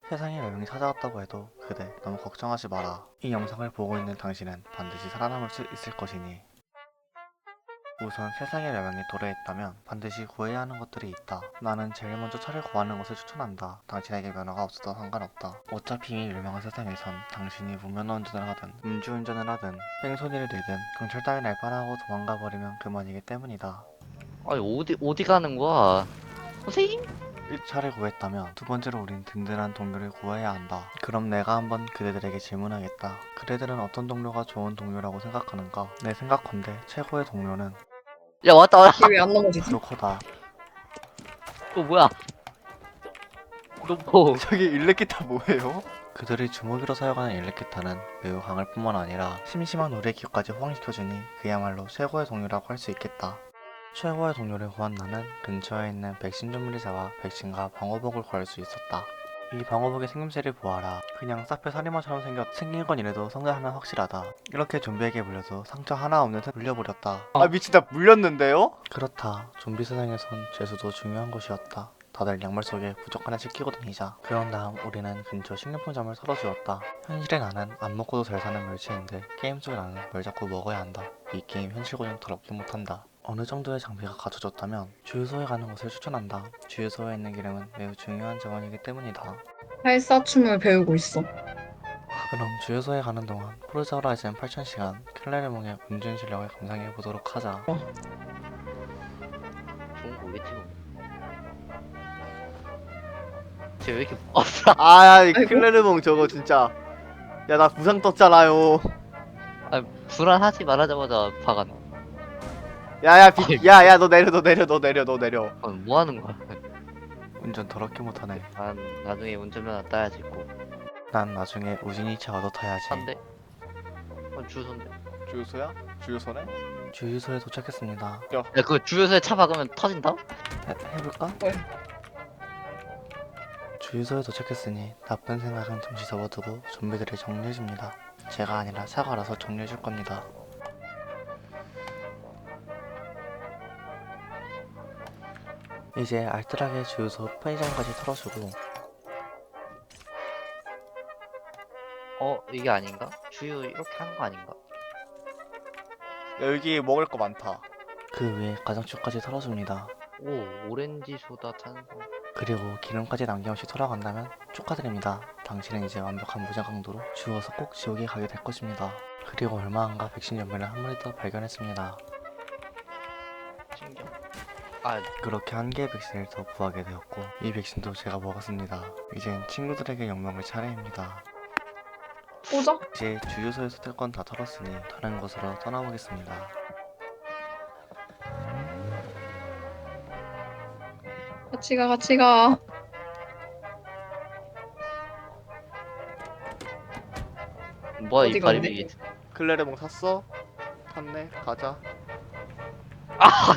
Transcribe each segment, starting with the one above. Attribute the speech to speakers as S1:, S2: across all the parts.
S1: 세상에 멸망이 찾아왔다고 해도 그대 너무 걱정하지 마라. 이 영상을 보고 있는 당신은 반드시 살아남을 수 있을 것이니. 우선 세상에 멸망이 도래했다면 반드시 구해야 하는 것들이 있다. 나는 제일 먼저 차를 구하는 것을 추천한다. 당신에게 면허가 없어도 상관없다. 어차피 이 멸망한 세상에선 당신이 무면허 운전을 하든 음주운전을 하든 뺑소니를 내든 경찰 따위 날파하고 도망가 버리면 그만이기 때문이다.
S2: 아니 어디 가는 거야? 선생님?
S1: 1차를 구했다면 두 번째로 우린 든든한 동료를 구해야 한다. 그럼 내가 한번 그대들에게 질문하겠다. 그대들은 어떤 동료가 좋은 동료라고 생각하는가? 내 생각컨대 최고의 동료는
S2: 야 왔다.
S3: 얘 왜 안 넘어지지?
S1: 브로커다.
S2: 너 뭐야? 너 뭐?
S1: 저기 일렉기타 뭐예요? 그들이 주먹이로 사용하는 일렉기타는 매우 강할 뿐만 아니라 심심한 우리의 귀까지 호강시켜주니 그야말로 최고의 동료라고 할 수 있겠다. 최고의 동료를 구한 나는 근처에 있는 백신 전문를 잡아 백신과 방어복을 구할 수 있었다. 이 방어복의 생김새를 보아라. 그냥 사페 살인마처럼 생긴 건 이래도 성장 하나 확실하다. 이렇게 좀비에게 물려도 상처 하나 없는 듯 물려버렸다.
S4: 아 미친 나 물렸는데요?
S1: 그렇다. 좀비 세상에선 죄수도 중요한 것이었다. 다들 양말 속에 부적 하나씩 끼고 다니자. 그런 다음 우리는 근처 식료품점을 털어주었다. 현실의 나는 안 먹고도 잘 사는 멸치인데 게임 속의 나는 뭘 자꾸 먹어야 한다. 이 게임 현실 고정 더럽게 못한다. 어느 정도의 장비가 갖춰졌다면 주유소에 가는 것을 추천한다. 주유소에 있는 기름은 매우 중요한 자원이기 때문이다.
S3: 팔사춤을 배우고 있어.
S1: 그럼 주유소에 가는 동안 포르자 호라이즌 8000시간 클레르몽의 운전 실력을 감상해보도록 하자.
S2: 좋은 거겠지 뭐. 쟤왜 이렇게 없어?
S4: 아야 이
S3: 아이고.
S4: 클레르몽 저거 진짜 야 나 부상 떴잖아요.
S2: 아 불안하지 말하자마자 박았네.
S4: 야야 너 내려 너 내려 너 내려 너 내려.
S2: 아, 뭐 하는 거야?
S1: 운전 더럽게 못하네.
S2: 난 나중에 운전면허 따야지 꼭.
S1: 난 나중에 우진이차 얻어 타야지.
S2: 한대? 주유소인데.
S4: 주유소야? 주유소네?
S1: 주유소에 도착했습니다.
S2: 야 그거 주유소에 차 박으면 터진다?
S1: 해볼까?
S3: 왜?
S1: 주유소에 도착했으니 나쁜 생각은 잠시 접어두고 좀비들을 정리해줍니다. 제가 아니라 차가 알아서 정리해줄 겁니다. 이제 알뜰하게 주유소 편의점까지 털어주고
S2: 이게 아닌가? 주유 이렇게 하는 거 아닌가?
S4: 야 여기 먹을 거 많다.
S1: 그 위에 가정주까지 털어줍니다.
S2: 오 오렌지 소다 탄산.
S1: 그리고 기름까지 남김없이 돌아간다면 축하드립니다. 당신은 이제 완벽한 무장 강도로 주워서 꼭 지옥에 가게 될 것입니다. 그리고 얼마 안가 백신 연매를 한 마리 더 발견했습니다.
S2: 신경. 아
S1: 그렇게 한 개의 백신을 더 구하게 되었고 이 백신도 제가 먹었습니다. 이젠 친구들에게 영광을 차례입니다.
S3: 꽂아?
S1: 이제 주유소에서 뜰 건 다 털었으니 다른 곳으로 떠나보겠습니다.
S3: 같이 가, 같이 가.
S2: 뭐야 이
S3: 어디
S2: 다리
S3: 갔네?
S2: 위에.
S4: 클레르몽 샀어? 탔네 가자.
S2: 아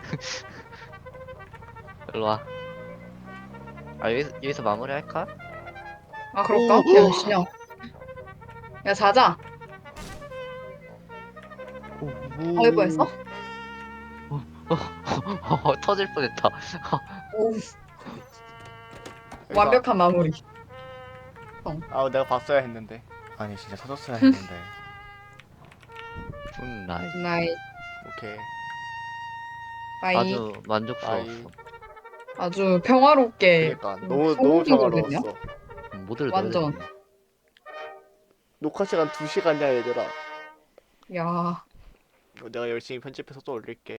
S2: 일로 와. 아 여기서 마무리할까?
S3: 아, 그럴까? 걔 몇 시냐? 야, 자자. 아이고, 했어?
S2: 터질 뻔했다.
S3: 오, 완벽한 마무리.
S4: 아 내가 봤어야 했는데.
S1: 아니 진짜 터졌어야 했는데.
S2: 나이.
S3: 나이,
S4: 오케이.
S3: 바이.
S2: 아주 만족스러웠어.
S4: 아이.
S3: 아주 평화롭게.
S4: 그니까 너무
S3: 성공이거든요?
S4: 평화로웠어.
S2: 모드를
S3: 완전.
S2: 넣어야 되겠네.
S4: 녹화 시간 2시간이야 얘들아.
S3: 야.
S4: 이거 내가 열심히 편집해서 또 올릴게.